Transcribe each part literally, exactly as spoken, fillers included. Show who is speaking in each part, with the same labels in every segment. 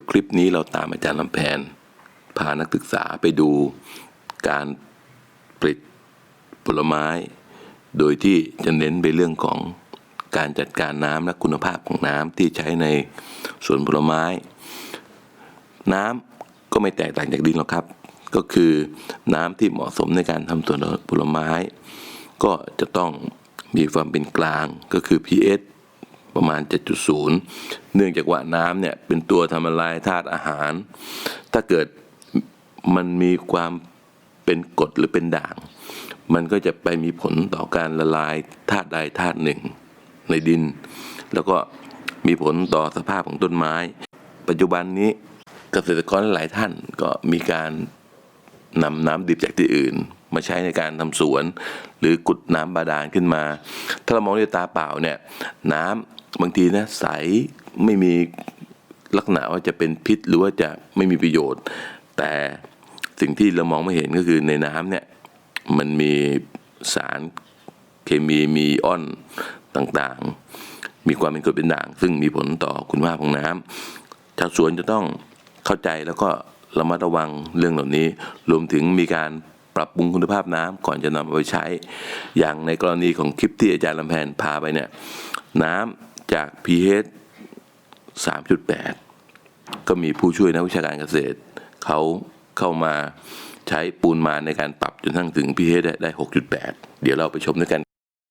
Speaker 1: คลิปนี้เราตามอาจารย์ลำแพนพานักศึกษาไปดูการผลิตผลไม้โดยที่จะเน้นไปเรื่องของการจัดการน้ำและคุณภาพของน้ำที่ใช้ในสวนผลไม้น้ำก็ไม่แตกต่างจากดินหรอกครับก็คือน้ำที่เหมาะสมในการทำสวนผลไม้ก็จะต้องมีความเป็นกลางก็คือ พี เอช ประมาณ เจ็ดจุดศูนย์ เนื่องจากว่าน้ำเนี่ยเป็นตัวทำละลายธาตุอาหารถ้าเกิดมันมีความเป็นกรดหรือเป็นด่างมันก็จะไปมีผลต่อการละลายธาตุใดธาตุหนึ่งในดินแล้วก็มีผลต่อสภาพของต้นไม้ปัจจุบันนี้เกษตรกรหลายท่านก็มีการนำน้ำดิบจากที่อื่นมาใช้ในการทำสวนหรือกุดน้ำบาดาลขึ้นมาถ้าเรามองด้วยตาเปล่าเนี่ยน้ำบางทีนะใสไม่มีลักษณะว่าจะเป็นพิษหรือว่าจะไม่มีประโยชน์แต่สิ่งที่เรามองไม่เห็นก็คือในน้ำเนี่ยมันมีสารเคมีมีอิออนต่างๆมีความเป็นกรดเป็นด่างซึ่งมีผลต่อคุณภาพของน้ำชาวสวนจะต้องเข้าใจแล้วก็ระมัดระวังเรื่องเหล่านี้รวมถึงมีการปรับปรุงคุณภาพน้ำก่อนจะนำไปใช้อย่างในกรณีของคลิปที่อาจารย์ลำแพนพาไปเนี่ยน้ำจาก พี เอช สามจุดแปด ก็มีผู้ช่วยนักวิชาการเกษตรเขาเข้ามาใช้ปูนมาในการปรับจนทั้งถึง พี เอช ได้ หกจุดแปด เดี๋ยวเราไปชมด้วยกัน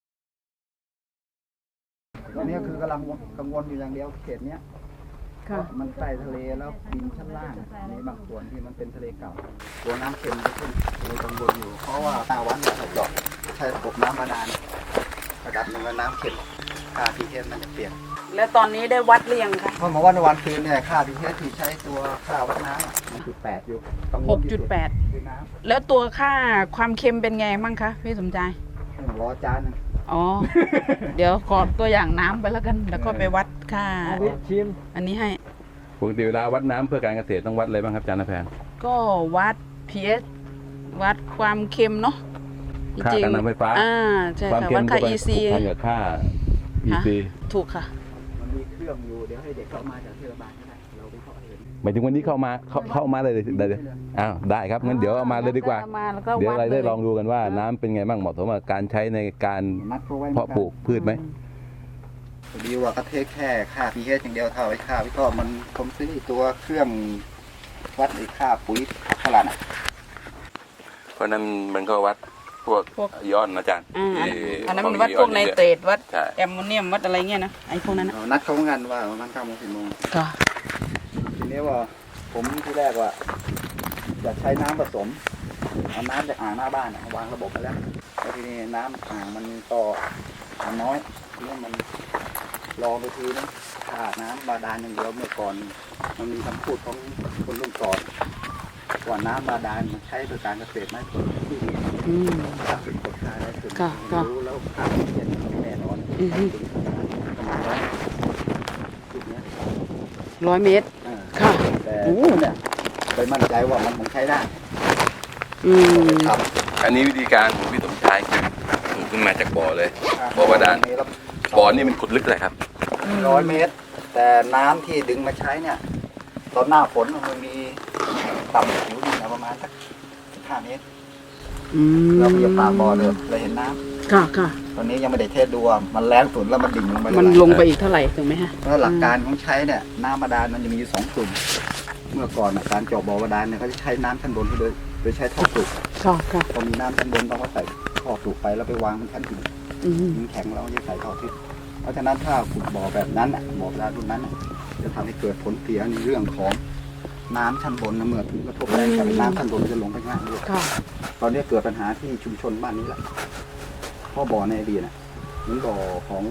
Speaker 2: ตอนนี้คือกำลังกังวลอยู่อย่างเดียวเขตเนี้ยมันใต้ทะเลแล้วดินชั้นล่างมีบางส่วนที่มันเป็นทะเลเก่าตัวน้ำเค็มจะขึ้นเลยกังวลอยู่เพราะว่าตาวันเนี่ยเราเจาะใช้ระบบน้ำบาดาลระดับหนึ่งแล้วน้ำเค็มค่า พี เอช มันจะเปลี่ยน
Speaker 3: แล้วตอนนี้ได้วัดเรียงค่ะ
Speaker 2: เพราะมาวัดในวันคืนเนี่ยค่า พี เอช ที่ใช้ตัวค่าวัดน้ำมันจุดแปดอยู่
Speaker 3: หกจุดแปดแล้วตัวค่าความเค็มเป็นไงบ้างคะพี่สมใจ
Speaker 2: รอจานนึง
Speaker 3: อ๋อ เดี๋ยวขอตัวอย่างน้ำไปแล้วกันแล้วก็ไปวัดค่า
Speaker 2: ชิม
Speaker 3: อันนี้ให้
Speaker 1: ปกติเวลาวัดน้ำเพื่อการเกษตรต้องวัดอะไรบ้างครับอาจารย์นแพน
Speaker 3: ก็วัด พี เอช วัดความเค็มเนาะ
Speaker 1: ค่าการนำไฟฟ้า
Speaker 3: อ่าใช่ค่ะวัดค่า อี ซี
Speaker 1: กับค่า อี ซี
Speaker 3: ถูกค่ะ
Speaker 2: มันมีเครื่องอยู่เดี๋ยวให้เด็กเข้ามาจากเทศบาลก็ได้เราไปเข้าเห็น
Speaker 1: หมายถึงวันนี้เข้ามาเข้าเข้ามาเลยได้เลยอ้าวได้ครับงั้นเดี๋ยวเอามาเลยดีกว่าเดี๋ยวเราได้ลองดูกันว่าน้ำเป็นไงบ้างเหมาะสมกับการใช้ในการเพาะปลูกพืชไหม
Speaker 2: ดีว่าก็เทคแค่ค่า พี เอช อย่างเดียวเท่าไอ้ค่าพี่ก็มันผมซื้อตัวเครื่องวัดไอ้ค่าปุ๋ยขนาดน่ะ
Speaker 1: เพราะนั้นมันก็วัดพวกย้อนอาจารย์
Speaker 3: อันนั้นมันวัดพวกไนเตรตวัดแอมโมเนียมวัดอะไรเงี้ยนะไอ้พวกนั้นนะ
Speaker 2: นัดเขางานว่าประมาณเก้าโมงสิบโมง
Speaker 3: ค่ะ
Speaker 2: ทีนี้ว่าผมที่แรกว่าจะใช้น้ำผสมเอาน้ำจากอ่างหน้าบ้านวางระบบไปแล้วแล้วทีนี้น้ำอ่างมันต่อน้อยทีนี้มันลองไปทีนึงขาดน้ำบาดาลอย่างเดียวเมื่อก่อนมันมีคำพูดของคนรุ่นก่อนว่าน้ำบาดาลมันใช้โดยการเกษตรไม่ผลที่ดีถ้าเป็นกฎค่าได้ถึงรู้แล้วค่าที่เย็นแน่นอนประมาณร้อยจุดนี้
Speaker 3: ร้อยเมตรค่ะ
Speaker 2: แต่เนี่ยไปมั่นใจว่ามันคงใช้ได้
Speaker 1: ครับอันนี้วิธีการของพี่สมชายคือถูกขึ้นมาจากบ่อเลยบ่อบาดาลบ่อนี่มันขุดลึกเลยครับ
Speaker 2: ร้อยเมตรแต่น้ำที่ดึงมาใช้เนี่ยตอนหน้าฝนมันมีต่ำผิวดินประมาณสักห้าเมตรเราไปปากบ่อเลยเราเห็นน้
Speaker 3: ำค่ะค่ะ
Speaker 2: ตอนนี้ยังไม่ได้เทสดูว่ามันแรงสุดแล้วมันดิ่งลงไป
Speaker 3: มันลงไปอีกเท่าไหร่ถูกไหมฮะ
Speaker 2: เพราะหลักการของใช้เนี่ยน้ำบาดาลมันจะมีอยู่สองกลุ่มเมื่อก่อนการเจาะบ่อบาดาลเนี่ยเขาจะใช้น้ำชั้นบนโดยโดยใช้ท่อปลูก
Speaker 3: ค่ะค่ะ
Speaker 2: พอมีน้ำชั้นบนต้องมาใส่ท่อปลูกไปแล้วไปวางบนชั้นดินมันแข็งแล้วจะใส่ท่อทิศเพราะฉะนั้นถ้าขุดบ่อแบบนั้นอ่ะบ่อบาดาลรุ่นนั้นจะทำให้เกิดผลเสียในเรื่องของน้ำชั้นบนนะเมื่อถึงกระทบแรงกับน้ำชั้นบนจะลงไปง่ายด้วยตอนนี้เกิดปัญหาที่ชุมชนบ้านนี้แหละเพราะบ่อในอดีตน่ะเหมือนบ่อของ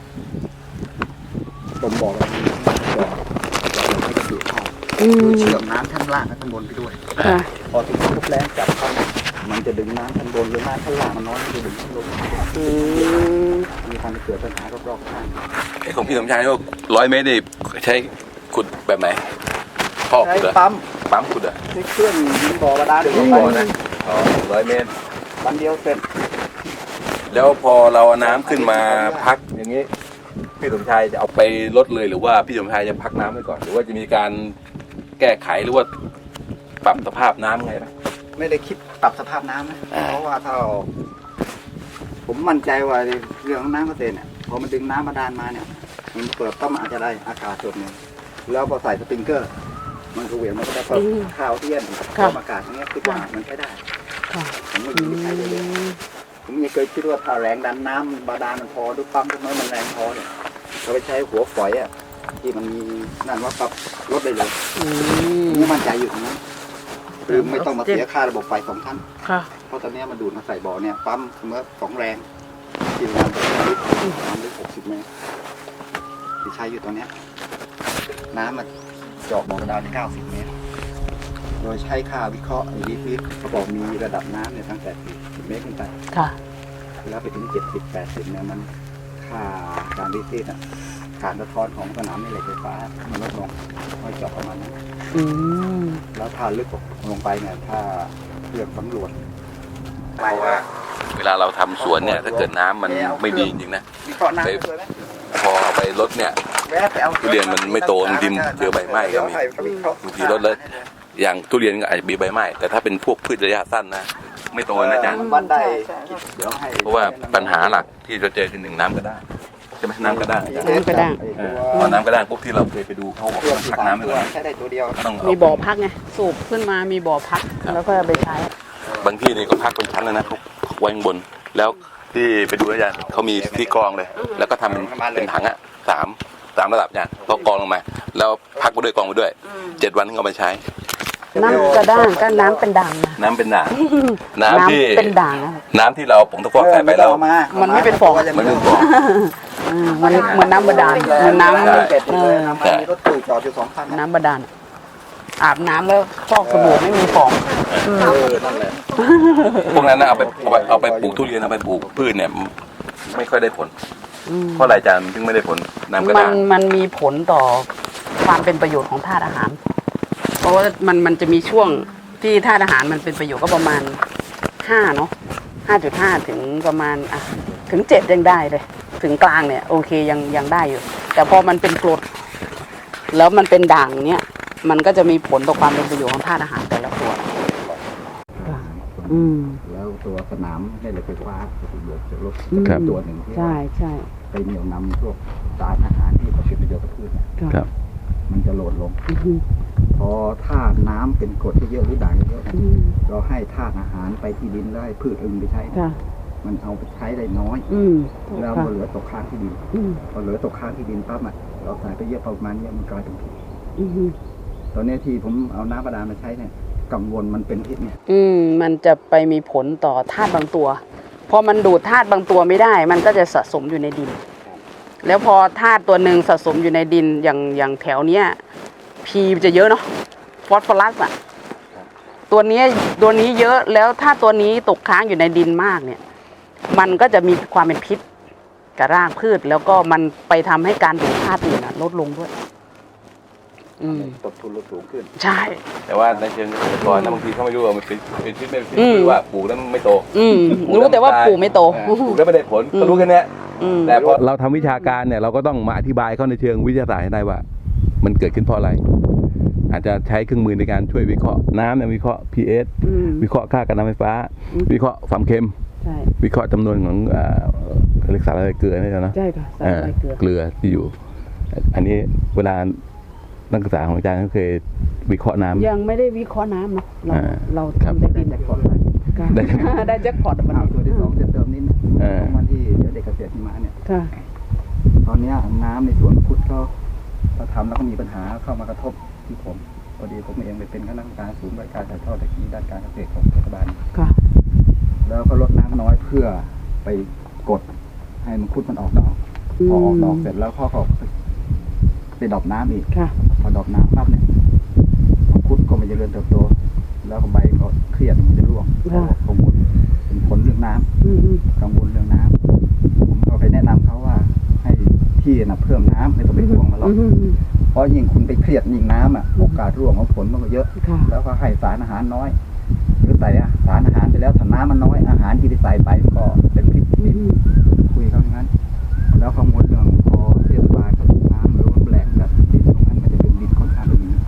Speaker 2: ตมบ่ออะไรบ่อบ่อไม่กระดูกเข้าเชื่อมน้ำชั้นล่างกับชั้นบนไปด้วยพอถึงกระทบแรงจับเข้ามันจะดึงน้ำชั้นบนหรือน้ำชั้นล่างมันน้อยมันจะดึงชั้นบนมีการเกิดปัญหารอบๆข้าง
Speaker 1: ไอ้ของพี่สมชายว่าร้อยเมตรนี่ใช้ขุดแบบไหน
Speaker 2: ใช้ปั๊ม
Speaker 1: ปั๊มขุดอ่ะ
Speaker 2: ใช้เครื่องยิงบ่อบาดาลดึง
Speaker 1: บ่อนะอ๋อร้อยเมตร
Speaker 2: วันเดียวเสร็จ
Speaker 1: แล้วพอเราเอาน้ำขึ้นมาพักอย่างนี้พี่สมชายจะเอาไปลดเลยหรือว่าพี่สมชายจะพักน้ำไว้ก่อนหรือว่าจะมีการแก้ไขหรือว่าปรับสภาพน้ำไงไหม
Speaker 2: ไม่ได้คิดปรับสภาพน้ำนะ
Speaker 1: อ่า
Speaker 2: เพราะว่าถ้าเราผมมั่นใจว่าเรื่องของน้ำเกษตรเนี่ยพอมันดึงน้ำบาดาลมาเนี่ยมันเปิดต้มอาจจะได้อากาศส่วนหนึ่งแล้วพอใส่สปริงเกอร์ มันก็เหวี่ยงมันก็ได้เปิดข้าวเทียน
Speaker 3: ค่ะ
Speaker 2: เพิ่มอากาศอย่างเงี้ยคิดว่ามันใช้ได้
Speaker 3: ค่ะ
Speaker 2: ผมไม่มีใช้เลยเลยผมยังเคยคิดว่าถ้าแรงดันน้ำบาดาลมันพอด้วยปั๊มทุกน้อยมันแรงพอเนี่ยเราไปใช้หัวฝอยอ่ะที่มันมีนั่นว่าปรับลดได้เลย
Speaker 3: อืม
Speaker 2: ผมมั่นใจอยู่ตรงนั้นคือไม่ต้องมาเสียค่าระบบไฟสองชั้น
Speaker 3: ค่ะ
Speaker 2: เพราะตอนนี้มันดูดมาใส่บ่อเนี่ยปั๊มเมื่อสองแรงที่ประมาณสองลิตรน้ำลึกหกสิบเมตรที่ใช้อยู่ตอนเนี้ยน้ำมันเจาะบ่อบาดาลเก้าสิบเมตร โดยใช้ค่าวิเคราะห์ไอ้ดีฟิตเขาบอกมีระดับน้ำเนี่ยตั้งแต่สิบเมตรขึ้นไป
Speaker 3: ค่ะ
Speaker 2: แล้วไปถึงเจ็ดสิบแปดสิบเนี่ยมันค่าการดีฟิตอ่ะการสะท้อนของสนามแม่เหล็กไฟฟ้ามันลดลงค่อยเจาะประมาณนั้น
Speaker 3: อืม
Speaker 2: แล้วถ้าลึกลงไปเนี่ยถ้าเลือกสำรวจ
Speaker 1: เพราะว่าเวลาเราทำสวนเนี่ยถ้าเกิดน้ำมันไม่ดีจริงๆนะ
Speaker 2: วิเคราะห์น้ำด้วยไหม
Speaker 1: พอเอาไปลดเนี่ย
Speaker 2: แวะไปอา
Speaker 1: ทุเรียนมันไม่โตดินเจอใบไหม้ก็มี บางทีลดเลยอย่างทุเรียนก็อาจจะมีใบไหม้แต่ถ้าเป็นพวกพืชระยะสั้นนะไม่โตนะอาจารย์
Speaker 2: วันได้
Speaker 3: ใช่ใช่
Speaker 2: เดี๋ยวให้
Speaker 1: เพราะว่าปัญหาหลักที่เราเจอคือหนึ่งน้ำก็ได้ใช่ไหมน้ำก็ได้
Speaker 3: น้ำกระด้าง
Speaker 1: เออพอน้ำก็ได้ปุ๊บที่เราเคยไปดูเขาบอก
Speaker 2: เครื่อง
Speaker 1: ว่า
Speaker 2: ที่
Speaker 1: พัก
Speaker 2: สาม
Speaker 1: น้ำไป
Speaker 2: ตัว
Speaker 1: ก่อน
Speaker 2: ใช้ได้ตัวเดียว
Speaker 1: ต้อง
Speaker 3: มีบ่อพักไง สูบขึ้นมามีบ่อพัก แล้วก็เอาไปใช้
Speaker 1: บางที่นี่ก็พักเป็นชั้นเลยนะเขาไว้ข้างบน แล้วที่ไปดูอาจารย์เขามีที่กรองเลย แล้วก็ทำเป็นเป็นถังอ่ะสามสามระดับอาจารย์เขากรองลงมา แล้วพักไปด้วยกรองไปด้วยเจ็ดวันถึงเอาไปใช้
Speaker 3: น้ำกระด้างก็น้ำเป็นด่างนะ
Speaker 1: น้ำเป็นด่างน้ำที่
Speaker 3: เป็นด่างนะ
Speaker 1: น้ำที่เราผงตะกั่วใส่ไปแล้ว
Speaker 3: มันไม่เป็นฟอง
Speaker 1: มันเป็นฟอง
Speaker 3: อืมมันเหมือนน้ำบาดาลเหมือนน้ำ
Speaker 2: เเป็ดเลยน้ำมันมีรถตู้จอดอยู่สองคันนะ
Speaker 3: น้ำบาดาลอาบน้ำแล้วฟอกสบู่ไม่มีฟอง
Speaker 2: เออนั่นแหละ
Speaker 1: พวกนั้นนะเอาไปเอาไปเอาไปปลูกทุเรียนเอาไปปลูกพืชเนี่ยไม่ค่อยได้ผล
Speaker 3: อืม
Speaker 1: เพราะอะไรอาจารย์ถึงไม่ได้ผลน้ำกระ
Speaker 3: มัน
Speaker 1: ด้าง
Speaker 3: มันมีผลต่อความเป็นประโยชน์ของธาตุอาหาร เพราะว่ามันมันจะมีช่วงที่ธาตุอาหารมันเป็นประโยชน์ก็ประมาณห้าเนาะห้าจุดห้าถึงประมาณอ่ะถึงเจ็ดยังได้เลย ถึงกลางเนี่ยโอเคยังยังได้อยู่ แต่พอมันเป็นกรดแล้วมันเป็นด่างเนี่ยมันก็จะมีผลต่อความเป็นประโยชน์ของธาตุอาหารแต่ละตัวอืม
Speaker 2: แล้วตัวสนามแม่เหล็กไฟฟ้าประโยชน์จากรถ
Speaker 3: ครับ
Speaker 2: ตัวหนึ่งที่
Speaker 3: ใช่ใช่
Speaker 2: ไปเหนี่ยวนำพวกสารอาหารที่เขาเป็นประโยชน์กับพืชเนี่ย
Speaker 1: ครับ
Speaker 2: มันจะโหลดลง
Speaker 3: อืม
Speaker 2: พอธาตุน้ำเป็นกรดที่เยอะหรือด่างเยอะ
Speaker 3: อืม
Speaker 2: เราให้ธาตุอาหารไปที่ดินแล้วให้พืชอื่นไปใช้
Speaker 3: ค่ะ
Speaker 2: มันเอาไปใช้ได้น้อย
Speaker 3: อืม
Speaker 2: แล้ว
Speaker 3: ค่ะ
Speaker 2: มันเหลือตกค้างที่ดิน
Speaker 3: อืม
Speaker 2: พอเหลือตกค้างที่ดินปั๊บอ่ะเราใส่ไปเยอะประมาณเนี้ยมันกลายเป็นพิษ
Speaker 3: อืม
Speaker 2: ตอนนี้ที่ผมเอาน้ำบาดาลมาใช้เนี่ยกังวลมันเป็นพิษเนี่ย
Speaker 3: อืมมันจะไปมีผลต่อธาตุบางตัว พอมันดูดธาตุบางตัวไม่ได้ มันก็จะสะสมอยู่ในดิน แล้วพอธาตุตัวหนึ่งสะสมอยู่ในดินอย่างอย่างแถวเนี้ยพีจะเยอะเนาะฟอสฟอรัสอ่ะตัวเนี้ยตัวนี้เยอะแล้วถ้าตัวนี้ตกค้างอยู่ในดินมากเนี่ย มันก็จะมีความเป็นพิษกับรากพืช แล้วก็มันไปทำให้การดูดธาตุอื่นอะลดลงด้วย อืม
Speaker 2: ต้นทุนลดสูงขึ้น
Speaker 3: ใช่
Speaker 1: แต่ว่าในเชิงเกษตรกรนะบางทีเขาไม่รู้ว่ามันเป็นเป็นพิษไม่เป็นพิษ
Speaker 3: อืม
Speaker 1: คือว่าปลูกแล้วมันไม่โต
Speaker 3: อืมรู้แต่ว่าปลูกไม่โต
Speaker 1: ปลูกแล้วไม่ได้ผลก็รู้แค่เนี้ย
Speaker 3: อืม
Speaker 1: แต่พอเราทำวิชาการเนี่ยเราก็ต้องมาอธิบายเขาในเชิงวิทยาศาสตร์ให้ได้ว่า มันเกิดขึ้นเพราะอะไร อาจจะใช้เครื่องมือในการช่วยวิเคราะห์น้ำเนี่ยวิเคราะห์ pH
Speaker 3: อืม
Speaker 1: วิเคราะห์ค่าการน้ำไฟฟ้า
Speaker 3: อืม
Speaker 1: วิเคราะห์ความเค็ม
Speaker 3: ใช่
Speaker 1: วิเคราะห์จำนวนของเอ่อเรียกสารอะไรเกลือนี่นะ
Speaker 3: ใช่ค่ะสาร
Speaker 1: เอ่อ
Speaker 3: ใบเกลือ
Speaker 1: เกลือที่อยู่ อันนี้เวลานักศึกษาของอาจารย์ก็เคยวิเคราะห์น้ำ
Speaker 3: ยังไม่ได้วิเคราะห์น้ำนะเรา
Speaker 1: อ่า
Speaker 3: เรา
Speaker 1: ครับ
Speaker 3: ทำได้ดิน
Speaker 2: แจ็คพอตไป
Speaker 3: ค่ะ
Speaker 1: ได้
Speaker 3: ได้แจ็คพอตวัน
Speaker 2: อ้าว
Speaker 3: นี้
Speaker 2: ตัวที่สองจะเติมนิดนึง
Speaker 1: เออ
Speaker 2: ของวันที่เดี๋ยวเด็กเกษตรที่มาเนี่ย
Speaker 3: ค่ะ
Speaker 2: ตอนเนี้ยน้ำในสวนมังคุดเขาเขาทำแล้วก็มีปัญหาเข้ามากระทบที่ผมพอดีผมเองไปเป็นคณะกรรมการศูนย์บริการถ่ายทอดเทคโนโลยีด้านการเกษตรของเทศบาล
Speaker 3: ค่ะ
Speaker 2: แล้วก็ลดน้ำน้อยเพื่อไปกดให้มังคุดมันออกดอก
Speaker 3: อืม
Speaker 2: พอออกดอกเสร็จแล้วเขาก็ไปไปดรอปน้ำอีก
Speaker 3: ค่ะ
Speaker 2: พอดรอปน้ำปั๊บเนี่ยมังคุดก็ไม่เจริญเติบโต แล้วก็ใบก็เครียดมันจะร่วง
Speaker 3: ค่ะ
Speaker 2: กังวลเป็นผลเรื่องน้ำ
Speaker 3: อืมอืม
Speaker 2: กังวลเรื่องน้ำผมก็ไปแนะนำเขาว่าให้ที่นะเพิ่มน้ำไม่ต้องไปห่วงมันหรอก
Speaker 3: อืมอืม
Speaker 2: เพราะยิ่งคุณไปเครียดยิ่งน้ำอ่ะโอกาสร่วงของผลมันก็เยอะ
Speaker 3: ค่ะ
Speaker 2: แล้วก็ให้สารอาหารน้อยหรือใส่สารอาหารไปแล้วถ้าน้ำมันน้อยอาหารที่ได้ใส่ไปก็เป็นพิษ
Speaker 3: อืมอืม
Speaker 2: คุยเขาอย่างนั้น แล้วกังวลเรื่องพอเทศบาลก็ถูกน้ำหรือว่าแหลกแบบดินตรงนั้นมันจะเป็นดินค่อนข้างเป็นดินกรด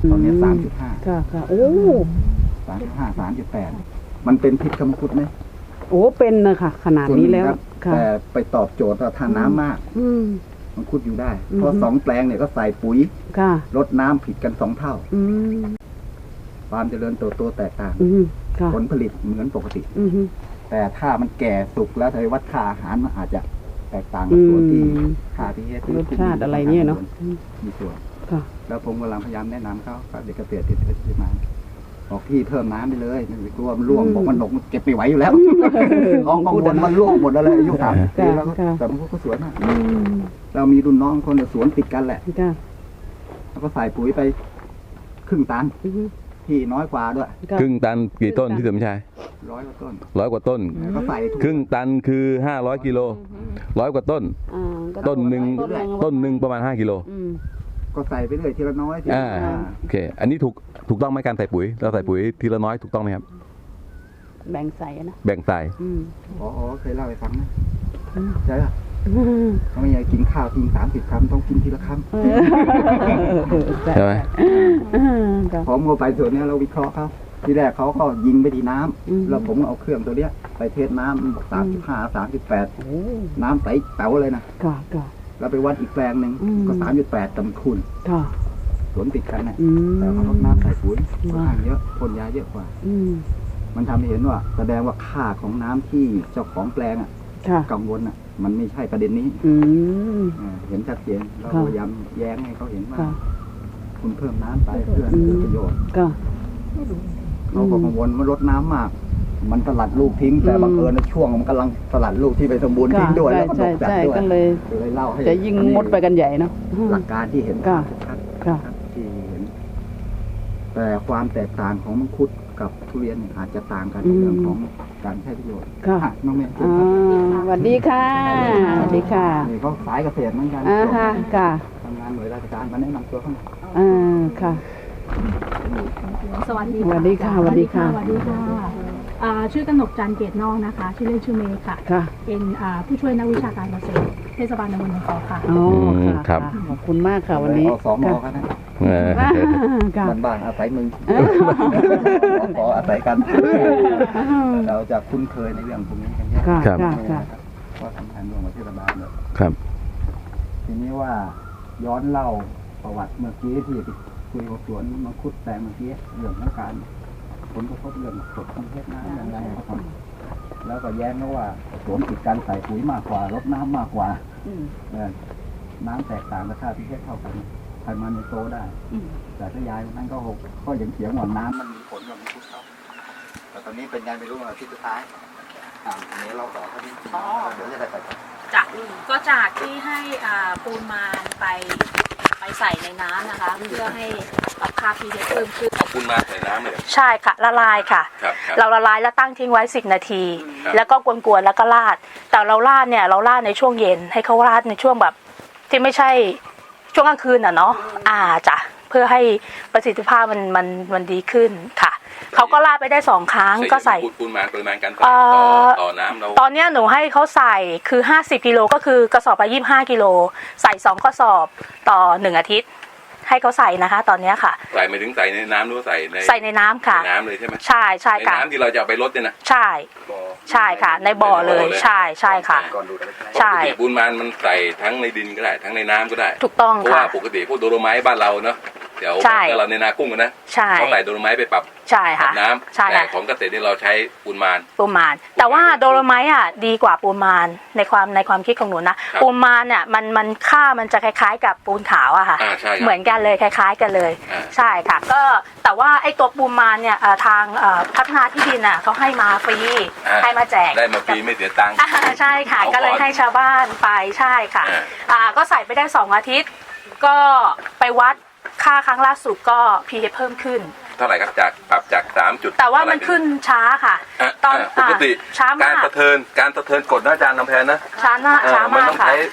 Speaker 2: ตอนนี้สามจุดห้า
Speaker 3: ค่ะค่ะโอ้
Speaker 2: สามจุดห้าสามจุดแปดมันเป็นพิษกับมังคุดไหม
Speaker 3: โอ้เป็นนะคะขนาดนี้แล้ว
Speaker 2: ส่นหงครับ
Speaker 3: ค่ะ
Speaker 2: แต่ไปตอบโจทย์ว่าถ้าน้ำมาก
Speaker 3: อืม
Speaker 2: มังคุดอยู่ได้
Speaker 3: อืม
Speaker 2: เพราะสองแปลงเนี่ยก็ใส่ปุ๋ย
Speaker 3: ค่ะ
Speaker 2: ลดน้ำผิดกันสองเท่า
Speaker 3: อืม
Speaker 2: ความเจริญเติบโตแตกต่าง
Speaker 3: อืมค่ะ
Speaker 2: ผลผลิตเหมือนปกติ
Speaker 3: อืม
Speaker 2: แต่ถ้ามันแก่สุกแล้วทายวัดค่าอาหารมันอาจจะแตกต่างกับส่วนที่
Speaker 3: อืม
Speaker 2: ค่าพีเอส
Speaker 3: รสชาติอะไรเนี่ยเนาะอืม
Speaker 2: มีส่วน
Speaker 3: ค่ะ
Speaker 2: แล้วผมกำลังพยายามแนะนำเขากับเด็กเกษตรที่ที่มาบอกพี่เพิ่มน้ำไปเลยไม่กลัวมันร่วง
Speaker 3: อืม
Speaker 2: บอกมันหนกมันเก็บไม่ไหวอยู่แล้วของกังวลมันร่วงหมดแล้วเลยอายุสามสิบปีแล้วก็
Speaker 3: ค่ะ
Speaker 2: แต่มันก็สวยมาก
Speaker 3: อืม
Speaker 2: เรามีรุ่นน้องคนสวนติดกันแหละ
Speaker 3: ค่ะ
Speaker 2: แล้วก็ใส่ปุ๋ยไปครึ่งตัน
Speaker 3: อืม
Speaker 2: ที่น้อยกว่าด้วย
Speaker 3: ค่ะ
Speaker 4: ครึ่งตันกี่ต้นพี่สมชาย
Speaker 2: ร้อยกว่าต้น
Speaker 4: ร้อยกว่าต้น
Speaker 2: แล้วก็ใส่ทุก
Speaker 4: ครึ่งตันคือห้าร้อยกิโลร้อยกว่าต้น
Speaker 3: อ่าก็
Speaker 4: ต้นหนึ่ง
Speaker 3: ต้นหนึ่ง
Speaker 4: ต้นหนึ่งประมาณห้ากิโล
Speaker 3: อืม
Speaker 2: ก็ใส่ไปเรื่อยทีละน้อยทีละ
Speaker 4: อ่า
Speaker 2: น้อย
Speaker 4: โอเค อันนี้ถูกถูกต้องไหมการใส่ปุ๋ยเราใส่ปุ๋ยทีละน้อยถูกต้องไหมครับ
Speaker 3: แบ่งใส่นะ
Speaker 4: แบ่งใส่
Speaker 3: อืม
Speaker 2: อ๋ออ๋อเคยเล่าให้ฟังนะ
Speaker 3: อืม
Speaker 2: ใช่ป่ะเขาไม่อยากกินข้าวทิ้งสามสิบคำต้องกินทีละค
Speaker 4: ใช่ไหม
Speaker 3: อืมค่ะ
Speaker 2: ำผมก็ไปส่วนเนี้ยเราวิเคราะห์เขาทีแรกเขาก็ยิงไปที่น้ำ
Speaker 3: อืม
Speaker 2: แล้วผมเอาเครื่องตัวเนี้ย ไปเทสน้ำสามสิบห้าสามสิบแปด
Speaker 3: โอ้
Speaker 2: น้ำใสแป๋วเลยนะ
Speaker 3: ค่ะค่ะ
Speaker 2: แล้วไปวัดอีกแปลงหนึ่ง
Speaker 3: อืม
Speaker 2: ก็สามจุดแปดตำคุณ
Speaker 3: ค่ะ
Speaker 2: สวนติดกันนะ
Speaker 3: อืม
Speaker 2: แต่เขาลดน้ำใส่ปุ๋ยค่อน
Speaker 3: ว้า
Speaker 2: ข้างเยอะพ่นยาเยอะกว่า
Speaker 3: อืม
Speaker 2: มันทำให้เห็นว่า แสดงว่าค่าของน้ำที่เจ้าของแปลงอ่ะ
Speaker 3: ค่ะ
Speaker 2: กังวลอ่ะ มันไม่ใช่ประเด็นนี้
Speaker 3: อืม
Speaker 2: อ่าเห็นชัดเจนเรา
Speaker 3: ค่ะ
Speaker 2: พยายามแย้งให้เขาเห็นว่า
Speaker 3: ค่ะ
Speaker 2: คุณเพิ่มน้ำไปเพื่อให้เกิดประโยชน์
Speaker 3: ค่ะ
Speaker 2: เขาก็กังวลว่าลดน้ำมาก มันสลัดลูกทิ้ง แต่
Speaker 3: อืม
Speaker 2: บังเอิญในช่วงมันกำลังสลัดลูกที่ไปสมบูรณ์ทิ้งด้วย
Speaker 3: ใช่
Speaker 2: แล้วก็ต
Speaker 3: ใช่
Speaker 2: กจัด
Speaker 3: ใช่
Speaker 2: ด้วย
Speaker 3: ก็เลย
Speaker 2: เลยเล่าให้
Speaker 3: จะยิ่งงดไปกันใหญ่เนาะ
Speaker 2: หลักการที่เห็น
Speaker 3: ค่ะ
Speaker 2: ชัดๆ
Speaker 3: ค่ะ
Speaker 2: ครับที่เห็น แต่ความแตกต่างของมังคุดกับทุเรียนเนี่ยอาจจะต่างกันในเรื่องของการใช้ประโยชน์
Speaker 3: ค่ะ
Speaker 2: อ่น้องเมย์
Speaker 3: อ่าสวัสดีค่ะสวัสดีค่ะ
Speaker 2: นี่เขาสายเกษตรเหมือนกัน
Speaker 3: อ่าค่ะค่ะ
Speaker 2: ทำงานหน่วยราชการมาแนะนำตัวเขาหน่อย
Speaker 3: อ่าค่ะ
Speaker 5: สวัสดี
Speaker 3: สวัสดีค่ะสวัสดีค่ะ
Speaker 5: สวัสดีค่ะอ่าชื่อกนกจันทร์เกตนอกนะคะ ชื่อเล่นชื่อเมย์ค่ะ
Speaker 3: ค่ะ
Speaker 5: เป็นอ่าผู้ช่วยนักวิชาการเกษตรเทศบาลตำบลหนองขอค่ะ
Speaker 3: อ๋อ
Speaker 4: อืมครั
Speaker 3: ค่ะ
Speaker 4: บ
Speaker 3: ขอบคุณมากค่ะวันนี้
Speaker 2: เอาสองหมอ
Speaker 3: ค่ะ
Speaker 2: กันนะ
Speaker 4: เออ
Speaker 3: อ่าค่ะ
Speaker 2: บ้านๆอาศัยมึงขออาศัยกัน เราจะคุ้นเคยในเรื่องพวกนี้กันเยอะ
Speaker 3: ค่ะ
Speaker 4: ครับ
Speaker 3: ค่ะค่ะ
Speaker 2: ว่าสำคัญร่วมกับเทศบาลเลย
Speaker 4: ครับ
Speaker 2: ทีนี้ว่าย้อนเล่าประวัติเมื่อกี้ที่คุยกับสวนมังคุดแตงเมื่อกี้เรื่องของการผลกระทบเรื่องกรดของเพชรน้ำอย่างไรครับแล้วก็แย้งนะว่าสวนติดการใส่ปุ๋ยมากกว่าลดน้ำมากกว่า
Speaker 3: อืม
Speaker 2: เออน้ำแตกต่างกับค่าพีเอสเท่ากันไขมันในโตได้
Speaker 3: อืม
Speaker 2: แต่ถ้ายายคนนั้นก็หกก็ยังเสียงว่าน้ำมันมีผลกับมังคุดเขาแต่ตอนนี้เป็นไงไม่รู้ว่าที่สุดท้ายอ่าอันนี้เราต่อเท่านี้เดี๋ยวจะได้ไปต่อ
Speaker 6: จากก็จากที่ให้อ่าปูนมานไปไปใส่ในน้ำนะคะ เพื่อให้ปรับค่า พี เอช เพิ่มขึ้น
Speaker 1: เอาปูนมาใส่น้ำเลย
Speaker 6: ใช่ค่ะละลายค่ะ
Speaker 1: ครับครับ
Speaker 6: เราละลายแล้วตั้งทิ้งไว้สิบนาที
Speaker 1: ครับ
Speaker 6: แล้วก็กวนๆแล้วก็ราด แต่เราราดเนี่ยเราราดในช่วงเย็นให้เขาราดในช่วงแบบที่ไม่ใช่ช่วงกลางคืนอ่ะเนาะอ่าจ้ะเพื่อให้ประสิทธิภาพมันมันมันดีขึ้นค่ะเขาก็ราดไปได้สองครั้งก็ใส่
Speaker 1: ปูนปูนมาปริมาณการใส่
Speaker 6: เอ่
Speaker 1: ต่อ
Speaker 6: อ
Speaker 1: ต่อน้ำเรา
Speaker 6: ตอนเนี้ยหนูให้เขาใส่คือห้าสิบกิโลก็คือกระสอบละยี่สิบห้ากิโลใส่สองกระสอบต่อหนึ่งอาทิตย์ ให้เขาใส่นะคะ ตอนเนี้ยค่ะ
Speaker 1: ใส่ไม่ถึงใส่ในน้ำหรือว่าใส่ใน
Speaker 6: ใส่ในน้ำค่ะ
Speaker 1: ในน้ำเลยใช่ไหม
Speaker 6: ใช่ใช่
Speaker 1: ใน
Speaker 6: ค่ะ
Speaker 1: น้ำที่เราจะเอาไปลดเนี่ยนะ
Speaker 6: ใช่
Speaker 1: บ่อ
Speaker 6: ใช่ค่ะ ในบ่อเลยใช่ใช่ค่ะ
Speaker 2: ก่อนดูกันเลย
Speaker 6: ใช่
Speaker 1: ปกติปูนมันมันใส่ทั้งในดินก็ได้ทั้งในน้ำก็ได้
Speaker 6: ถูกต้อง
Speaker 1: เพราะว่า
Speaker 6: ค่ะ
Speaker 1: ปกติพวกโดโลไม้บ้านเราเนาะเดี๋ยว
Speaker 6: ใช่
Speaker 1: เราในนากุ้งอะนะ
Speaker 6: ใช่
Speaker 1: เขาใส่โดโลไม้ไปปรับ
Speaker 6: ใช่
Speaker 1: ปรั
Speaker 6: ค่ะ
Speaker 1: บน้ำ
Speaker 6: ใช่
Speaker 1: แต่
Speaker 6: ค่ะ
Speaker 1: ของเกษตรนี่เราใช้ปูนมาน
Speaker 6: ปูมานแต่ว่าโดโลไมต์อ่ะดีกว่าปูมานในความในความคิดของหนูนะครับ ปูมานเนี่ยมันมันค่ามันจะคล้ายๆ กับปูนขาวอะค่ะ
Speaker 1: อ่าใช่ครับ
Speaker 6: เหมือนกันเลยคล้าย ๆ กันเลย
Speaker 1: อ่า
Speaker 6: ใช่ค่ะ ก็แต่ว่าไอ้ตัวปูมานเนี่ยเอ่อทางเอ่อพัฒนาที่ดินอ่ะเขาให้มาฟรี
Speaker 1: อ่า
Speaker 6: ให้มาแจก
Speaker 1: ได้มาฟรีไม่เสียตังค์
Speaker 6: อ่าใช่ค่ะ
Speaker 1: เอาก่อน
Speaker 6: ก็เลยให้ชาวบ้านไปใช่ค่ะ
Speaker 1: อ่า
Speaker 6: อ่าก็ใส่ไปได้สองอาทิตย์ ก็ไปวัดค่าครั้งล่าสุดก็ พี เอช เพิ่มขึ้น
Speaker 1: เท่าไหร่ครับจากปรับจากสามจุด
Speaker 6: แต่ว่ามันขึ้นช้าค่ะ
Speaker 1: อ่ะ
Speaker 6: ตอน
Speaker 1: อ่ะปกติ
Speaker 6: อ่าช้ามาก
Speaker 1: การสะเทินการสะเทินกดนะอาจารย์ลำแพนนะ
Speaker 6: ช้าหน้า
Speaker 1: เออ
Speaker 6: ช้า
Speaker 1: มัน
Speaker 6: มาก
Speaker 1: ต้อง
Speaker 6: ค่ะ
Speaker 1: ใช้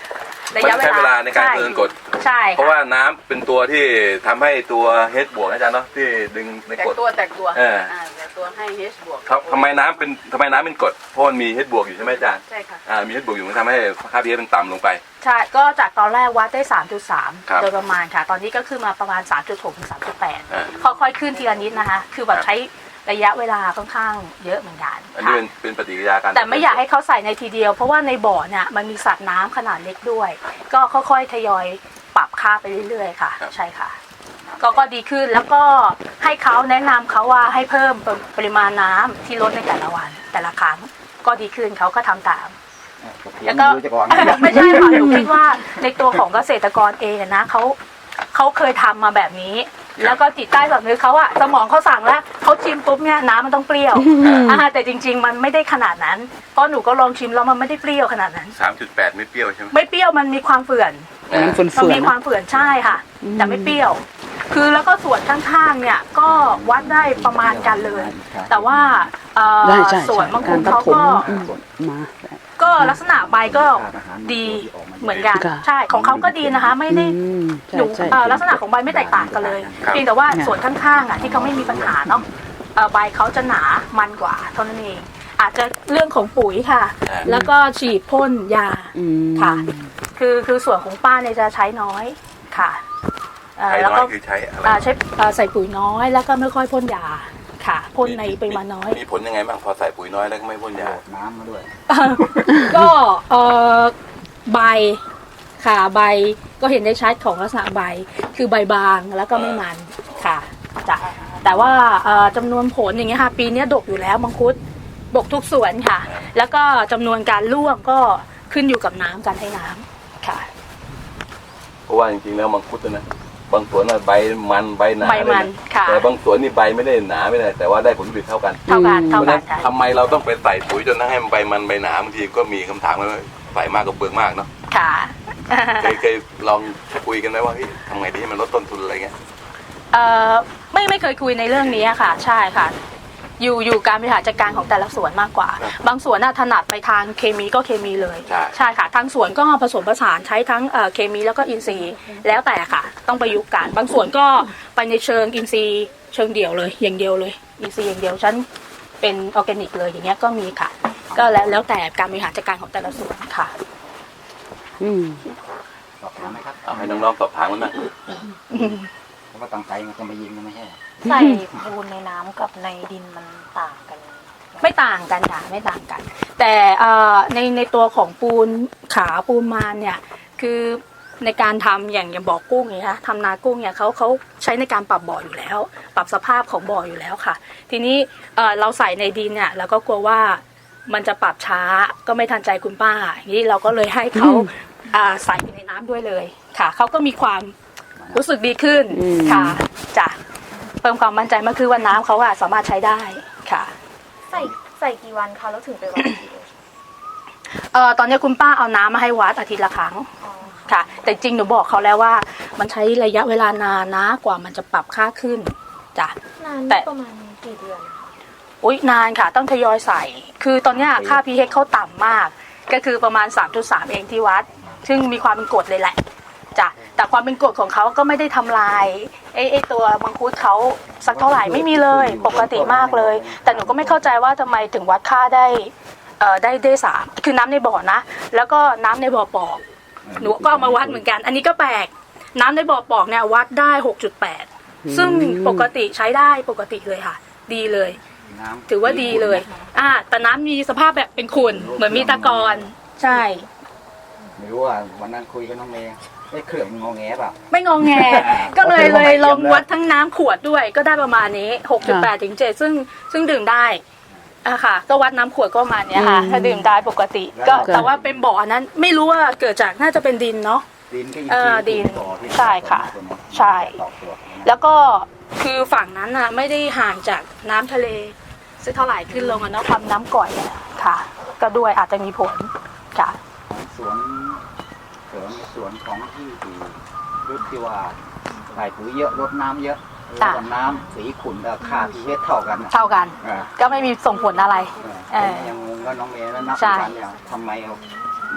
Speaker 6: ระ
Speaker 1: มัน
Speaker 6: ยะเว
Speaker 1: ใช้เวลา
Speaker 6: ลา
Speaker 1: ในการเดินกด
Speaker 6: ใช่
Speaker 1: เพราะว่าน้ำเป็นตัวที่ทำให้ตัวเฮดบวกนะอาจารย์เนาะที่ดึงใน
Speaker 3: แต
Speaker 1: ก
Speaker 3: ก
Speaker 1: ด
Speaker 3: ตัวแตกตัว
Speaker 1: เออ
Speaker 3: แตกตัวให้ H บวก
Speaker 1: ครับทำไมน้ำเป็นทำไมน้ำเป็นกรดเพราะมันมีเฮดบวกอยู่ใช่ไหมอาจารย์
Speaker 3: ใช่ค่ะ
Speaker 1: อ่ามีเฮดบวกอยู่มันทำให้ค่า พี เอช มันต่ำลงไป
Speaker 6: ใช่ก็จากตอนแรกวัดได้ สามจุดสาม
Speaker 1: ครับ
Speaker 6: โดยประมาณค่ะ ตอนนี้ก็ขึ้นมาประมาณ สามจุดหก ถึง สามจุดแปด
Speaker 1: อ่า
Speaker 6: ค่อยๆขึ้นทีละนิดนะคะ คือแบบ
Speaker 1: ครับ
Speaker 6: ใช้ระยะเวลาค่อนข้างเยอะเหมือนกัน
Speaker 1: อันนี้
Speaker 6: ค่ะ
Speaker 1: เป็นเป็นปฏิกิริยาการ
Speaker 6: แต่ไม่อยากให้เขาใส่ในทีเดียว เพราะว่าในบ่อเนี่ยมันมีสัตว์น้ำขนาดเล็กด้วย ก็ค่อยๆทยอยปรับค่าไปเรื่อยๆค่ะ ใช่ค่ะ ก็ก็ดีขึ้นแล้วก็ให้เขาแนะนำเขาว่าให้เพิ่มปริมาณน้ำที่ลดในแต่ละวัน แต่ละครั้งก็ดีขึ้นเขาก็ทำตาม แล้วก็
Speaker 2: รู้จะก่อน
Speaker 6: ไม่ใช่ค่ะหนูคิดว่าในตัวของเกษตรกรเองนะเขาเขาเคยทำมาแบบนี้ แล้วก็จิตใต้สำนึกเขาอะสมองเขาสั่งแล้วเขาชิมปุ๊บเนี่ยน้ำมันต้องเปรี้ยวอ่าแต่จริง ๆ มันไม่ได้ขนาดนั้นเพราะหนูก็ลองชิมแล้วมันไม่ได้เปรี้ยวขนาดนั้น
Speaker 1: สามจุดแปดไม่เปรี้ยวใช่ไหม
Speaker 6: ไม่เปรี้ยวมันมีความเฝื่อน
Speaker 3: มันฝืน
Speaker 6: มัน
Speaker 3: ๆ
Speaker 6: มีความเฝื่อนใช่ค่ะแต่ไม่เปรี้ยว คือแล้วก็ส่วนข้างๆเนี่ยก็วัดได้ประมาณกันเลย แต่ว่าเอ่อ
Speaker 3: ได้ใช่
Speaker 6: ส่วนบางคน
Speaker 3: กร
Speaker 6: เขา
Speaker 3: ปฐม
Speaker 6: ก็
Speaker 3: อืมมา
Speaker 6: ก็ลักษณะใบก็ดีเหมือนกัน
Speaker 3: ค่ะ
Speaker 6: ใช่ของเขาก็ดีนะคะไม่ได้
Speaker 3: อืมใช่
Speaker 6: หนู
Speaker 3: ใช่
Speaker 6: เอ่อลักษณะของใบไม่แตกต่างกันเลย
Speaker 1: ครับ
Speaker 6: เพียงแต่ว่าส่วนข้างๆอ่ะที่เขาไม่มีปัญหาเนาะเอ่อใบเขาจะหนามันกว่าเท่านั้นเองอาจจะเรื่องของปุ๋ยค่ะ แล้วก็ฉีดพ่นยา
Speaker 3: อืม
Speaker 6: ค่ะ คือคือส่วนของป้าเนี่ยจะใช้น้อยค่ะเอ่อ
Speaker 1: ใช้
Speaker 6: แล้ว
Speaker 1: น้อ
Speaker 6: ก็
Speaker 1: ยคือใช้อะไร
Speaker 6: อ่าใช้เอ่อใส่ปุ๋ยน้อยแล้วก็ไม่ค่อยพ่นยาค่ะพ่นในปริมาณน้อย
Speaker 1: มีผลยังไงบ้างพอใส่ปุ๋ยน้อยแล้วก็ไม่พ่นยา
Speaker 2: น้ำมาด้วย
Speaker 6: ก็เอ่อใบค่ะใบก็เห็นได้ชัดของลักษณะใบคือใบบางแล้วก็ไม่มันค่ะจ้ะแต่ว่าเอ่อจำนวนผลอย่างเงี้ยค่ะปีนี้ดกอยู่แล้วมังคุดดกทุกสวนค่ะ แล้วก็จำนวนการร่วงก็ขึ้นอยู่กับน้ำการให้น้ำค่ะ
Speaker 1: เพราะว่าจริงๆแล้วมังคุดนะบางสวนน่ะใบมันใบหนา
Speaker 6: ใบมัน
Speaker 1: เลยนะ
Speaker 6: ค่ะ
Speaker 1: แต่บางสวนนี่ใบไม่ได้หนาไม่ได้แต่ว่าได้ผลผลิตเท่ากัน
Speaker 6: เท่ากัน
Speaker 1: เพ
Speaker 6: เท่า
Speaker 1: ราะฉะ
Speaker 6: กั
Speaker 1: นั้น น
Speaker 6: ค่ะ
Speaker 1: ทำไมเราต้องไปใส่ปุ๋ยจนให้มันใบมันใบหนาบางทีก็มีคำถามว่าใส่มากกับเปลืองมากเนาะ
Speaker 6: ค่ะ
Speaker 1: เคยเคยลองคุยกันไหมว่าเฮ้ยทำไงดีให้มันลดต้นทุนอะไรเงี้ย
Speaker 6: เอ่อไม่ไม่เคยคุยในเรื่องนี้ค่ะ ใช่ค่ะ อยู่อยู่การบริหารจัดการของแต่ละสวนมากกว่า บางสวนน่ะถนัดไปทางเคมีก็เคมีเลย
Speaker 1: ใช่
Speaker 6: ใช่ค่ะทางสวนก็ผสมผสานใช้ทั้งเอ่อเคมีแล้วก็อินทรีย์ แล้วแต่ค่ะ ต้องประยุกต์กันบางสวนก็ไปในเชิงอินทรีย์เชิงเดี่ยวเลย อย่างเดียวเลย อินทรีย์อย่างเดียวฉันเป็นออร์แกนิกเลยอย่างเงี้ยก็มีค่ะ ก็แล้วแล้วแต่การบริหารจัดการของแต่ละสวนค่ะ
Speaker 3: อืม
Speaker 2: สอบถามไหมครับ
Speaker 1: เอาให้น้องๆสอบถามกันนะ
Speaker 2: เพราะว่าตั้งใจมันจะมายิงกันไม่ใช่
Speaker 7: ใส่ปูนในน้ำกับในดินมันต่างกัน
Speaker 6: ไม่ต่างกันค่ะไม่ต่างกัน แต่เอ่อในในตัวของปูนขาวปูนมานเนี่ยคือในการทำอย่างอย่างบ่อกุ้งเนี่ยค่ะทำนากุ้งเนี่ยเขาเขาใช้ในการปรับบ่ออยู่แล้ว ปรับสภาพของบ่ออยู่แล้วค่ะ ทีนี้เอ่อเราใส่ในดินเนี่ยเราก็กลัวว่ามันจะปรับช้าก็ไม่ทันใจคุณป้าอย่างนี้เราก็เลยให้เขาอ่าใส่ไปในน้ำด้วยเลยค่ะเขาก็มีความรู้สึกดีขึ้นค่ะจ้ะเพิ่มความมั่นใจมากคือว่าน้ำเขาอะสามารถใช้ได้ค่ะ
Speaker 7: ใส่ใส่กี่วันคะแล้วถึงไปวัดอีกที
Speaker 6: เอ่อตอนนี้คุณป้าเอาน้ำมาให้วัดอาทิตย์ละครั้ง
Speaker 7: อ๋อ
Speaker 6: ค่ะ แต่จริงหนูบอกเขาแล้วว่า มันใช้ระยะเวลานานนะกว่ามันจะปรับค่าขึ้นจ้ะ
Speaker 7: นาน
Speaker 6: แต่
Speaker 7: ประมาณกี่เดือนคะ
Speaker 6: อุ๊ยนานค่ะ ต้องทยอยใส่ คือตอนเนี้ยค่า พี เอช เขาต่ำมาก ก็คือประมาณ สามจุดสาม เองที่วัด ซึ่งมีความเป็นกรดเลยแหละจ้ะแต่ความเป็นกรดของเขาก็ไม่ได้ทำลายไอ้ไอ้ตัวมังคุดเขาสักเท่าไหร่ไม่มีเลยปกติมากเลย แต่หนูก็ไม่เข้าใจว่าทำไมถึงวัดค่าได้เอ่อได้ได้สามคือน้ำในบ่อนะ แล้วก็น้ำในบ่อปอกหนูก็เอามาวัดเหมือนกัน อันนี้ก็แปลกน้ำในบ่อปอกเนี่ยวัดได้ หกจุดแปด ซึ่งปกติใช้ได้ปกติเลยค่ะ ดีเลย
Speaker 2: น้ำ
Speaker 6: ถือว่าดีเลย อ่า แต่น้ำมีสภาพแบบเป็นขุ่น เหมือนมีตะกอนใช่
Speaker 2: ไม่รู้ว่าวันนั้นคุยกับน้องเมย์ไอ้เครื่องมันงอแงเปล่า
Speaker 6: ไม่งองแง ก็เลยเลยลองวัดทั้งน้ำขวดด้วย ก็ได้ประมาณนี้ หกจุดแปด ถึง เจ็ด ซึ่งซึ่งดื่มได้อ่ะค่ะ ก็วัดน้ำขวดก็ประมาณเนี้ยค่ะ ถ้าดื่มได้ปกติ ก็แต่ว่าเป็นบ่อนั้นไม่รู้ว่าเกิดจากน่าจะเป็นดินเนาะ
Speaker 2: ดินก็ยิง
Speaker 6: เออดิน
Speaker 2: ต่อที่
Speaker 6: ใช่ค่ะใช่
Speaker 2: ต่อตัว
Speaker 6: แล้วก็คือฝั่งนั้นน่ะไม่ได้ห่างจากน้ำทะเลสักเท่าไหร่ขึ้นลงอะเนาะความน้ำก่อยเนี่ยค่ะ ก็ด้วยอาจจะมีผลค่ะ
Speaker 2: สวนสวนสวนของที่ที่รู้ที่ว่าใส่ปุ๋ยเยอะลดน้ำเยอะแล้วก็น้ำสีขุ่นกับค่าพีเอชเท่ากันน่ะ
Speaker 6: เท่ากัน
Speaker 2: เออ
Speaker 6: ก็ไม่มีส่งผลอะไร
Speaker 2: เออ
Speaker 6: เออ
Speaker 2: ยังงงก็น้องเมย์แล้วนับ
Speaker 6: ใช่
Speaker 2: วันเนี่ยทำไมเอา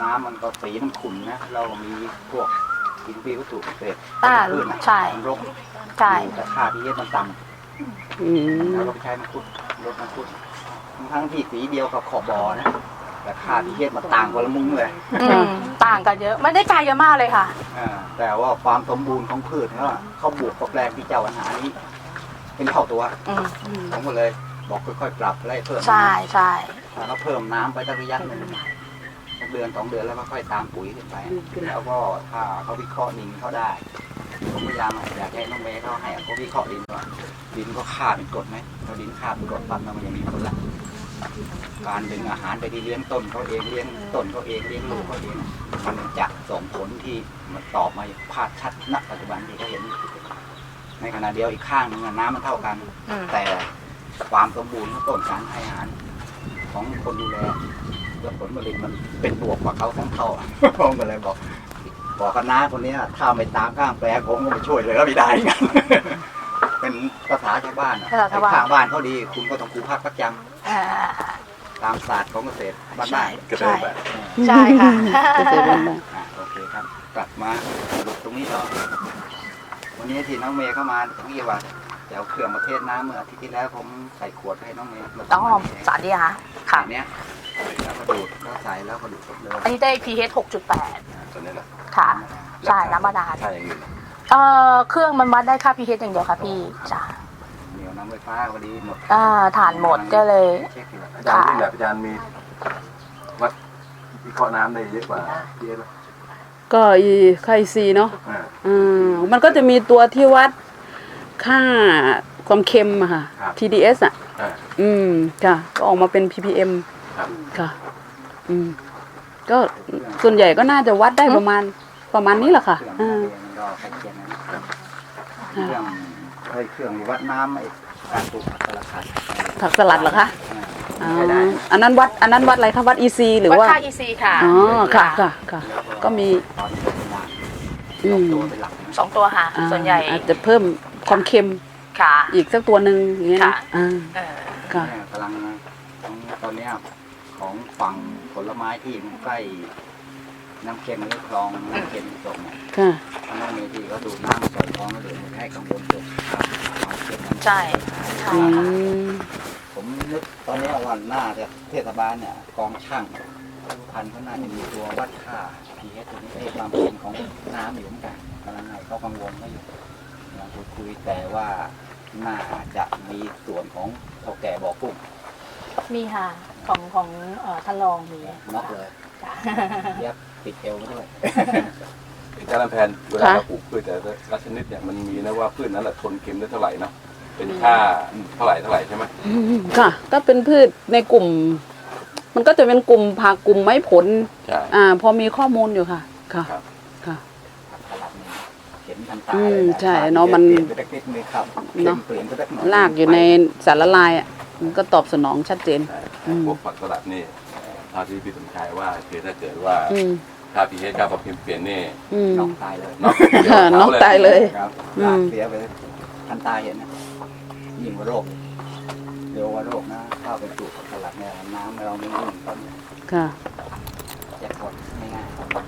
Speaker 2: น้ำมันก็สีมันขุ่นนะเราก็มีพวกอินทรีย์วัตถุเกษตร
Speaker 6: อ่า
Speaker 2: พืชนะ
Speaker 6: ใช่
Speaker 2: มันรก
Speaker 6: ใช่
Speaker 2: แต่ค่าพีเอสมันต่
Speaker 3: อื
Speaker 2: ำ
Speaker 3: ม
Speaker 2: แล้วก็ไปใช้มังคุดรดมังคุดทั้งที่สีเดียวกับขอบบ่อนะแต่ค่าพีเอสมันต่างกันละมุ้งเลย
Speaker 6: อืมต่างกันเยอะ ไม่ได้ไกลกันมากเลยค่ะ
Speaker 2: อ่าแต่ว่าความสมบูรณ์ของพืชเขาอะเขาบวกกับแปลงที่เจ้าอาหารนี้ เป็นเท่าตัว
Speaker 6: อืม
Speaker 2: ผมก็เลยบอกค่อยๆปรับไล่เพิ่ม
Speaker 6: ใช่ใช่
Speaker 2: แล้วก็เพิ่มน้ำไปตั้งระยะหนึ่งสักเดือนสองเดือนแล้วก็ค่อยตามปุ๋ยขึ้นไป แล้วก็ถ้าเขาวิเคราะห์ดินเขาได้ ผมพยายามอยากให้น้องเมย์เขาให้เขาวิเคราะห์ดินว่าดินก็ค่าเป็นกรดไหมพอดินค่าเป็นกรดปั๊บแล้วมันยังมีผลละการดึงอาหารไปที่เลี้ยงต้นเขาเองเลี้ยงต้นเขาเองเลี้ยงลูกเขาเองมันจะส่งผลที่มันตอบมาอย่างภาพชัดณปัจจุบันที่เขาเห็น ในขณะเดียวอีกข้างหนึงอะน้ำมันเท่ากัน
Speaker 6: อืม
Speaker 2: แต่ความสมบูรณ์ของต้นการให้อาหารของคนดูแลและผลผลิตมันเป็นบวกกว่าเขาทั้งเท่า ผมก็เลยบอกบอกคณะคนเนี้ยถ้าไม่ตามข้างแปลงผมก็ไม่ช่วยเลยก็ไม่ได้เหมือนกัน เป็นภาษาชาวบ้านอะ
Speaker 6: ภาษาชาวบ้าน
Speaker 2: ข้างบ้านเขาดีคุณก็ต้องคูพักประจ
Speaker 6: อ่า
Speaker 2: ำตามศาสตร์ของเกษตรบ้าน
Speaker 6: ใช่
Speaker 2: ๆ
Speaker 1: เกษตรแบบ
Speaker 6: ใช่ค่ะ
Speaker 3: เกษตรบ้าน
Speaker 2: อ่ะโอเคครับกลับมาสรุปตรงนี้ต่อวันนี้ที่น้องเมย์เข้ามาตรงนี้ว่าจะเอาเครื่องมาเทศน้ำเมื่ออาทิตย์ที่แล้วผมใส่ขวดให้น้องเมย์มา
Speaker 6: ต้องหอมสารดีค่ะค่ะ
Speaker 2: อันเนี้ยแล้วก็ดูดแล้วใส่แล้วก็ดูดเลย
Speaker 6: อันนี้ได้ pH หกจุดแปด
Speaker 1: ตัวนี้แหละ
Speaker 6: ค่ะ ใช่น้ำบาดาล
Speaker 1: ใช่อย่างอื่น
Speaker 6: เอ่อเครื่องมันวัดได้ค่า pH อย่างเดียวค่ะพี่จ้ะ
Speaker 2: เดี๋ยวน้ำไฟฟ้าพอดีหมด
Speaker 6: อ่าถ่านหมดก็เลย
Speaker 2: เช็คอยู่
Speaker 1: อาจารย์ที่แบบอาจารย์มีวัดวิเคราะห์น้ำได้เยอะกว่าพีเอส
Speaker 3: ก็อีไคซีเนาะ
Speaker 1: อ่า
Speaker 3: อืมมันก็จะมีตัวที่วัดค่าความเค็มอะค่ะ
Speaker 1: ครับ
Speaker 3: ที ดี เอส อ่ะ
Speaker 1: อ่า
Speaker 3: อืมค่ะก็ออกมาเป็น พี พี เอ็ม
Speaker 1: ครับ
Speaker 3: ค่ะ อืมก็ส่วนใหญ่ก็น่าจะวัดได้ประมาณประมาณนี้แหละค่ะ
Speaker 2: เครื่อง
Speaker 3: อ่า
Speaker 2: มันก็ใกล้เคียงนะเครื่องไอ้เครื่องวัดน้ำไอ้การปลูกผักสลัดผัด
Speaker 3: ผักสลัดเหรอคะ
Speaker 2: อ่า
Speaker 3: อ๋อ
Speaker 2: ใช้ได้
Speaker 3: อันนั้นวัดอันนั้นวัดอะไรคะวัด อี ซี หรือ
Speaker 6: วัด
Speaker 3: ว่า
Speaker 6: ค่า อี ซี ค่ะ
Speaker 3: อ๋อค่ะค่ะค่ะ ก็มี
Speaker 2: ตอนนี้เป็นหลัก
Speaker 3: อืม
Speaker 2: ตัวเป็นหลักนะ
Speaker 6: สองตัวค่ะ
Speaker 3: อ่า
Speaker 6: ส่วนใหญ่
Speaker 3: อาจจะเพิ่มความเค็ม
Speaker 6: ค่ะ
Speaker 3: อีกสักตัวหนึ่งอย่างเงี้ยนะ
Speaker 6: ค่ะ
Speaker 3: อ่า
Speaker 6: เออ
Speaker 3: ค่ะ
Speaker 2: เนี่ยกำลังของตอนเนี้ยของฝั่งผลไม้ที่มันใกล้น้ำเค็มหรือคลองน้ำเค็มตกเนี่ย
Speaker 3: ค่ะ
Speaker 2: ทางน้องเมที่เขาดูดน้ำใส่คลองแล้วเดี๋ยวมันให้กังวลเกี่ยวกับความเค็มมัน
Speaker 6: ใช่ใช่
Speaker 3: อื
Speaker 6: ค่ะ
Speaker 3: ม
Speaker 2: ผมนึกตอนเนี้ยวันหน้าจะเทศบาลเนี่ยกองช่างทุกพันเขาน่าจะมีตัววัดค่า pH ตัวนี้ให้ความเค็มของน้ำอยู่เหมือนกันกำลังให้เขากังวลเขาอยู่เราพูดคุยแต่ว่าน่าจะมีส่วนของเท่าแก่บ่อกุ้ง
Speaker 6: มีค่ะ ของของเอ่อท่านรองมี
Speaker 2: น็อกเลย
Speaker 6: จ้ะ
Speaker 2: เย็บปิดเอวไว้ด้วย
Speaker 1: อาจารย์ลำแพนเวลาเราปลูกพืชแต่ละชนิดเนี่ยมันมีนะว่าพืชนั้นแหละทนเค็มได้เท่าไหร่เนาะเป็นค่าเท่าไหร่เท่าไหร่ใช่ไหม
Speaker 3: อืมค่ะ ก็เป็นพืชในกลุ่ม มันก็จะเป็นกลุ่มผักกลุ่มไม้ผล
Speaker 1: ใช่
Speaker 3: อ่า พอมีข้อมูลอยู่ค่ะ ค่ะ
Speaker 1: ครับ
Speaker 3: ค่ะ
Speaker 2: ตลาดนี้เห็นทันตา
Speaker 3: อื
Speaker 2: เลย
Speaker 3: ม
Speaker 2: นะ
Speaker 3: ใช่เนาะมัน
Speaker 2: เปลี่ยนไปสักนิดนึงครับ
Speaker 3: เนาะ
Speaker 2: เปลี่ยนไปสักหน่อย
Speaker 3: ลากอยู่ในสารละลายอ่ะ มันก็ตอบสนองชัดเจน
Speaker 1: ใช่
Speaker 3: อืม
Speaker 1: พวกผักสลัดนี่เท่าที่พี่สมชายว่าคือถ้าเกิดว่า
Speaker 3: อืม
Speaker 1: ค่าพีเอสค่าความเค็มเปลี่ยนนี่
Speaker 3: อืม
Speaker 2: น็อกตายเลย
Speaker 1: เนาะ
Speaker 3: ค่ะน้องตายเลย
Speaker 2: ครับ
Speaker 3: อืม
Speaker 2: ลากเสียไปทันตาเห็นนะยิ่งกว่าโรคเร็วกว่าโรคนะเข้าไปปลูกผักสลัดเนี่ยน้ำเราไม่ยิ่งตอนนี้
Speaker 3: ค่ะ
Speaker 2: แจ็คพอต